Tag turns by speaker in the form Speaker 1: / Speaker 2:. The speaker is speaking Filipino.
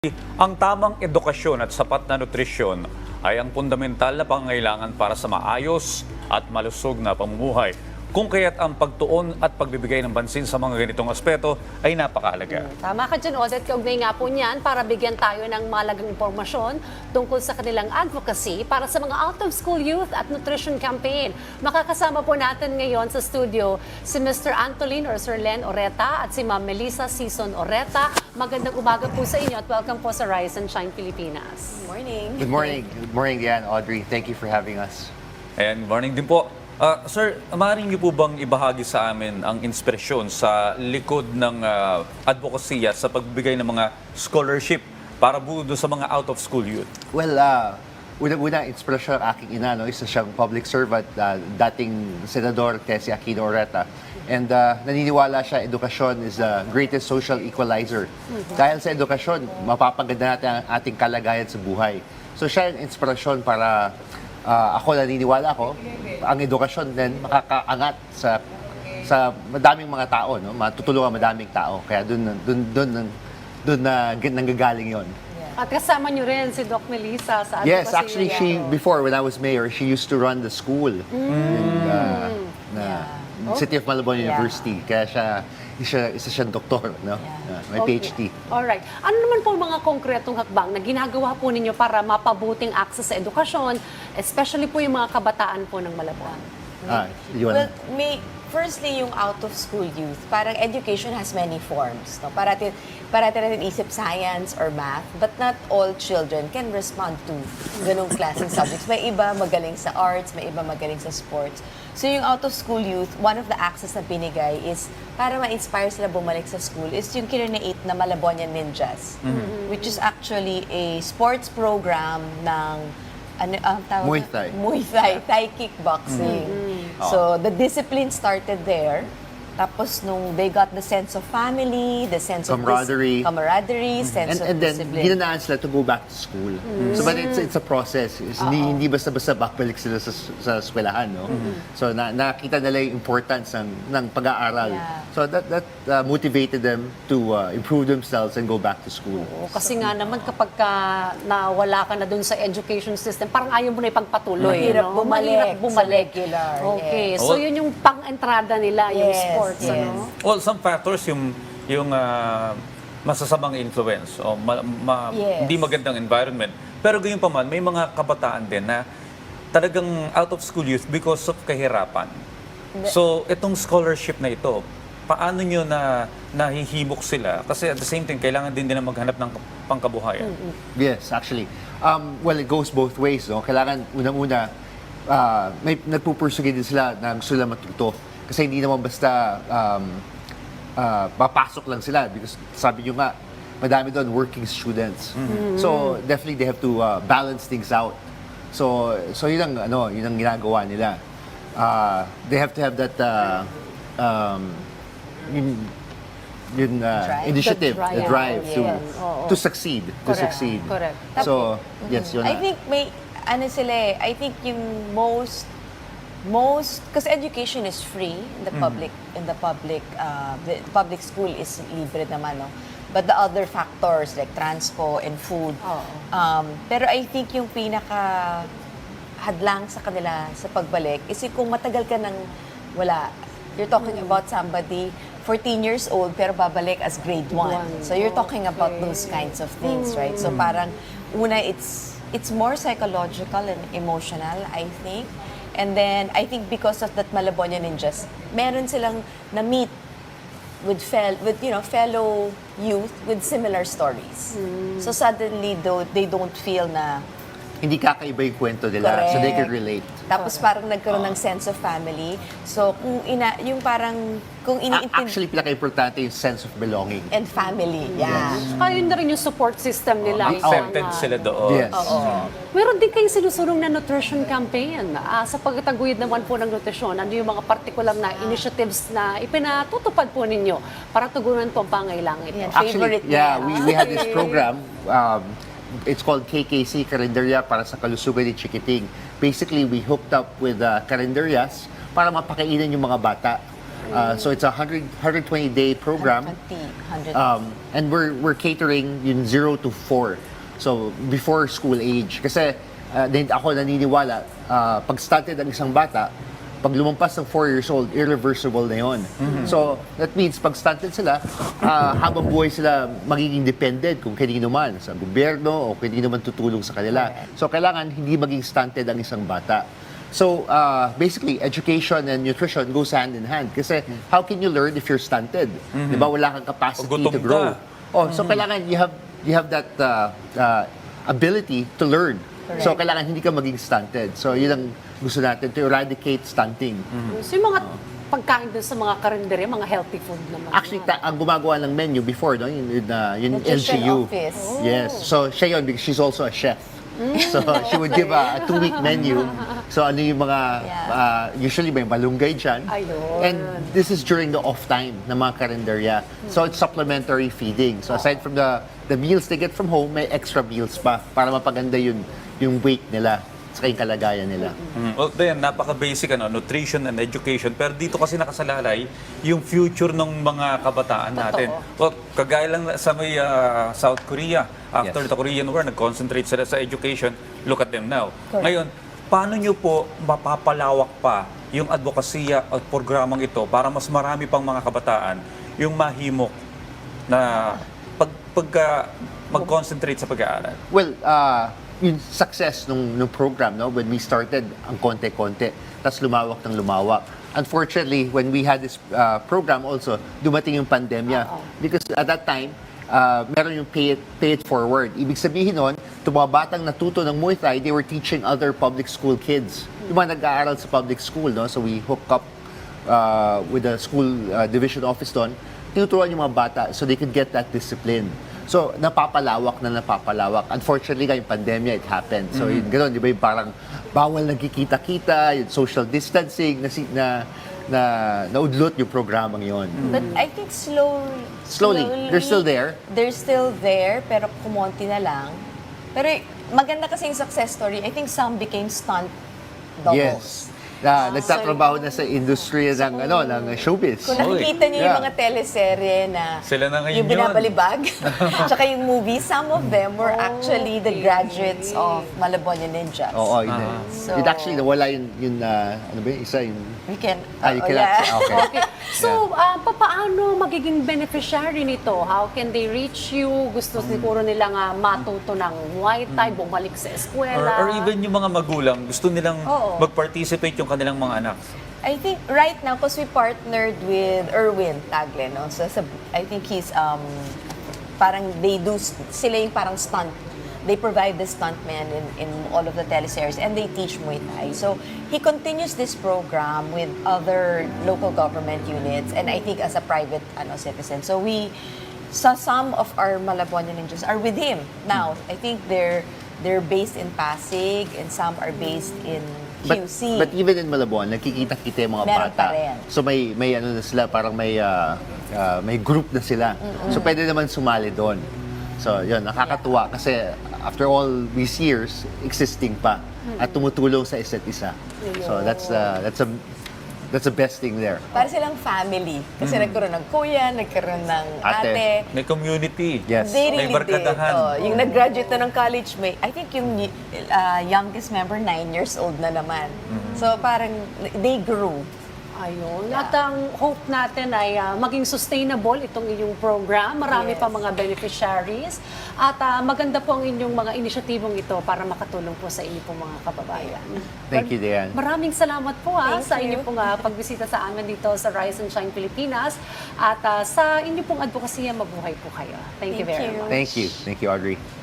Speaker 1: Ang tamang edukasyon at sapat na nutrisyon ay ang fundamental na pangangailangan para sa maayos at malusog na pamumuhay. Kung kaya't ang pagtuon at pagbibigay ng pansin sa mga ganitong aspeto ay napakahalaga.
Speaker 2: Tama ka dyan, Odette. Kaugnay nga po niyan para bigyan tayo ng malagang impormasyon tungkol sa kanilang advocacy para sa mga out-of-school youth at nutrition campaign. Makakasama po natin ngayon sa studio si Mr. Antolin or Sir Len Oreta at si Ma'am Melissa Sison Oreta. Magandang umaga po sa inyo at welcome po sa Rise and Shine Pilipinas.
Speaker 3: Good morning.
Speaker 4: Good morning. Good morning, Diane, Audrey. Thank you for having us.
Speaker 1: And morning din po. Sir, maaaring niyo po bang ibahagi sa amin ang inspirasyon sa likod ng advokasya sa pagbibigay ng mga scholarship para po doon sa mga out-of-school youth?
Speaker 4: Well, una-una, inspirasyon ng aking ina, no? Isa siyang public servant, dating Senador Tessie Aquino Oreta. And naniniwala siya, edukasyon is the greatest social equalizer. Dahil sa edukasyon, mapapaganda natin ang ating kalagayan sa buhay. So siya yung inspirasyon para ako naniniwala ako, ang edukasyon din makakaangat sa madaming mga tao, no? Matutulungan madaming tao. Kaya doon nanggagaling 'yon.
Speaker 2: At kasama niyo rin si Doc Melissa sa advocacy.
Speaker 4: Yes, actually before when I was mayor, she used to run the school in City of Malabon University. Kaya isa siyang doktor, no? May PhD.
Speaker 2: Alright. Ano naman po mga konkretong hakbang na ginagawa po ninyo para mapabuting access sa edukasyon, especially po yung mga kabataan po ng Malabon?
Speaker 3: Well, firstly, yung out-of-school youth, parang education has many forms. No? Parati natin isip science or math, but not all children can respond to ganong klaseng subjects. May iba magaling sa arts, may iba magaling sa sports. So yung out-of-school youth, one of the access na binigay is para ma-inspire sila bumalik sa school is yung kinreate na Malabonian Ninjas, which is actually a sports program ng tawag
Speaker 4: Muay Thai.
Speaker 3: Muay Thai, Thai kickboxing. So the discipline started there. Tapos nung they got the sense of family, the sense
Speaker 4: Camaraderie.
Speaker 3: sense of
Speaker 4: And then,
Speaker 3: discipline.
Speaker 4: ginanaan sila to go back to school. So, but it's a process. Hindi basta-basta babalik sila sa eskwelahan, no? So, nakita nila yung importance ng pag-aaral.
Speaker 3: Yeah.
Speaker 4: So, that motivated them to improve themselves and go back to school.
Speaker 2: Oo, kasi nga naman kapag nawala ka na dun sa education system, parang ayaw mo na ipagpatuloy.
Speaker 3: Mahirap
Speaker 2: no?
Speaker 3: bumalik
Speaker 2: Mahirap bumalik.
Speaker 3: sa regular.
Speaker 2: Okay,
Speaker 1: Yes.
Speaker 2: so yun yung pang-entrada nila, yung
Speaker 3: Yes,
Speaker 2: sports.
Speaker 3: yes.
Speaker 2: Ano?
Speaker 1: Well, some factors yung masasamang influence o
Speaker 3: Yes.
Speaker 1: hindi magandang environment. Pero gayon pa man, may mga kabataan din na talagang out-of-school youth because of kahirapan. So, itong scholarship na ito, paano nyo na nahihimok sila? Kasi at the same time, kailangan din nila maghanap ng pangkabuhayan.
Speaker 4: Yes, actually. Well, it goes both ways, no? Kailangan, unang-una, may nagpupursugin din sila na gusto nila matuto. Kasi hindi naman basta papasok lang sila because sabi nyo nga, madami doon working students. So definitely they have to balance things out. So yun ang ginagawa nila. They have to have that initiative, the drive
Speaker 2: yes.
Speaker 4: to succeed.
Speaker 2: Correct.
Speaker 4: So yes, yun
Speaker 3: I think I think yung most because education is free in the public school is libre naman, no? But the other factors like transpo and food. Pero I think yung pinaka hadlang sa kanila sa pagbalik is kung matagal ka nang wala. You're talking about somebody 14 years old pero babalik as grade 1. So you're talking about those kinds of things, right? So parang una it's more psychological and emotional, I think. And then, I think because of that Malabonian Ninjas, meron silang na-meet with fellow youth with similar stories. So suddenly, they don't feel na
Speaker 4: hindi kakaiba yung kwento nila, so they can relate.
Speaker 3: Tapos parang nagkaroon ng sense of family. So kung iniintindi
Speaker 4: Actually, pinaka-importante yung sense of belonging.
Speaker 3: and family, yeah.
Speaker 2: Saka yun na rin yung support system nila.
Speaker 1: Accepted sila doon.
Speaker 4: Yes.
Speaker 2: Meron din kayong sinusulong na nutrition campaign. Sa pagtataguyod naman po ng nutrisyon, ano yung mga particular na initiatives na ipinatutupad po ninyo para tugunan po ang pangailangan ito?
Speaker 3: Yan.
Speaker 4: Actually,
Speaker 3: Favorite
Speaker 4: yeah,
Speaker 3: niya.
Speaker 4: we had this program. It's called KKC, Karinderya para sa Kalusugan ni Chikiting. Basically, we hooked up with Karinderias para mapakainin yung mga bata. So it's a 120-day program.
Speaker 3: 100.
Speaker 4: And we're catering yung 0 to 4. So before school age. Kasi din ako naniniwala, pag stunted ang isang bata, pag lumampas ng 4 years old, irreversible na yon. So that means pag stunted sila, habang buhay sila magiging dependent kung kanino man, sa gobyerno o kanino man tutulong sa kanila. So kailangan hindi maging stunted ang isang bata. So basically, education and nutrition goes hand in hand. Kasi how can you learn if you're stunted? Di ba wala kang capacity
Speaker 1: Pag gutom
Speaker 4: to grow?
Speaker 1: ka.
Speaker 4: So kailangan you have that ability to learn. So kailangan hindi ka maging stunted. So yun ang gusto natin, to eradicate stunting.
Speaker 2: So yung mga pagkain dun sa mga karinderya, mga healthy food naman.
Speaker 4: Actually, ang gumagawa ng menu before, no, yung
Speaker 3: Nutrition
Speaker 4: LGU.
Speaker 3: office.
Speaker 4: Yes. So siya yun because she's also a chef. So she would give a 2-week menu. So ano yung mga, usually may malunggay dyan.
Speaker 2: Ayun.
Speaker 4: And this is during the off time ng mga karinderya. So it's supplementary feeding. So aside from the meals they get from home, may extra meals pa para mapaganda yung weight nila sa yung kalagayan nila.
Speaker 1: Well, then, napaka-basic nutrition and education. Pero dito kasi nakasalalay yung future ng mga kabataan natin. Well, kagaya lang sa may South Korea, after
Speaker 4: Yes.
Speaker 1: the Korean War, nag-concentrate sila sa education. Look at them now.
Speaker 3: Correct.
Speaker 1: Ngayon, paano nyo po mapapalawak pa yung advokasya at programang ito para mas marami pang mga kabataan yung mahimok na mag-concentrate sa pag-aaral?
Speaker 4: Well, yung success nung program, no, when we started, ang konti-konti, tapos lumawak ng lumawak. Unfortunately, when we had this program also, dumating yung pandemya. Because at that time, meron yung pay it forward. Ibig sabihin nun, itong mga batang natuto ng Muay Thai, they were teaching other public school kids. Yung mga nag-aaral sa public school, no? So we hooked up with the school division office doon, tinuturuan yung mga bata so they could get that discipline. So, napapalawak. Unfortunately, yung pandemya, it happened. So, yun, gano'n, di ba, yung parang bawal nagkikita-kita, yung social distancing, naudlot yung programang yon.
Speaker 3: But I think
Speaker 4: Slowly. They're still there.
Speaker 3: They're still there, pero kumonti na lang. Pero maganda kasi yung success story. I think some became stunt doubles.
Speaker 4: Yes. Nagtatrabaho na sa industriya ng showbiz.
Speaker 3: Kung nakikita niyo yung
Speaker 4: Yeah.
Speaker 3: mga teleserye na
Speaker 1: Sila na ngayon
Speaker 3: yung
Speaker 1: yun.
Speaker 3: binabalibag, tsaka yung movie, some of them were actually the graduates of Malabon Ninjas.
Speaker 4: Oo, yun.
Speaker 3: So-
Speaker 4: It actually, nawala yung ano ba yung isa, yung...
Speaker 3: We can,
Speaker 4: you cannot say, okay.
Speaker 2: Okay. So, paano magiging beneficiary nito? How can they reach you? Gusto siguro nilang matuto ng Muay Thai, bumalik sa eskwela.
Speaker 1: Or even yung mga magulang, gusto nilang
Speaker 2: Oo.
Speaker 1: mag-participate yung kanilang mga anak.
Speaker 3: I think right now, because we partnered with Erwin Tagle, no? So, I think he's, parang sila yung parang stunt. They provide the stuntmen in all of the teleseries and they teach Muay Thai. So, he continues this program with other local government units and I think as a private citizen. So, some of our Malabonian Ninjas are with him now. I think they're based in Pasig and some are based in QC.
Speaker 4: But even in Malabon, nakikita-kita yung mga
Speaker 3: Meron
Speaker 4: bata.
Speaker 3: pa rin.
Speaker 4: So may ano na sila, parang may group na sila. So pwede naman sumali doon. So yun, nakakatuwa kasi after all these years, existing pa at tumutulong sa isa't isa. So that's the best thing there.
Speaker 3: Para silang family. Kasi nagkaroon ng kuya, nagkaroon ng
Speaker 4: Ate.
Speaker 3: ate.
Speaker 1: May community.
Speaker 4: Yes.
Speaker 3: They
Speaker 1: May
Speaker 3: really did.
Speaker 1: barkadahan.
Speaker 3: Yung nag-graduate na ng college, I think yung youngest member, 9 years old na naman. So parang they grew.
Speaker 2: Ayun. At ang hope natin ay maging sustainable itong inyong program. Marami
Speaker 3: Yes.
Speaker 2: pa mga beneficiaries. At maganda po ang inyong mga inisyatibong ito para makatulong po sa inyo pong mga kababayan.
Speaker 4: Thank you, Diane.
Speaker 2: Maraming salamat po
Speaker 3: Thank
Speaker 2: sa
Speaker 3: you.
Speaker 2: inyo pong pagbisita sa amin dito sa Rise and Shine Pilipinas. At sa inyo pong advokasya, mabuhay po kayo. Thank you
Speaker 3: Thank
Speaker 2: very
Speaker 3: you.
Speaker 2: much.
Speaker 4: Thank you, Audrey.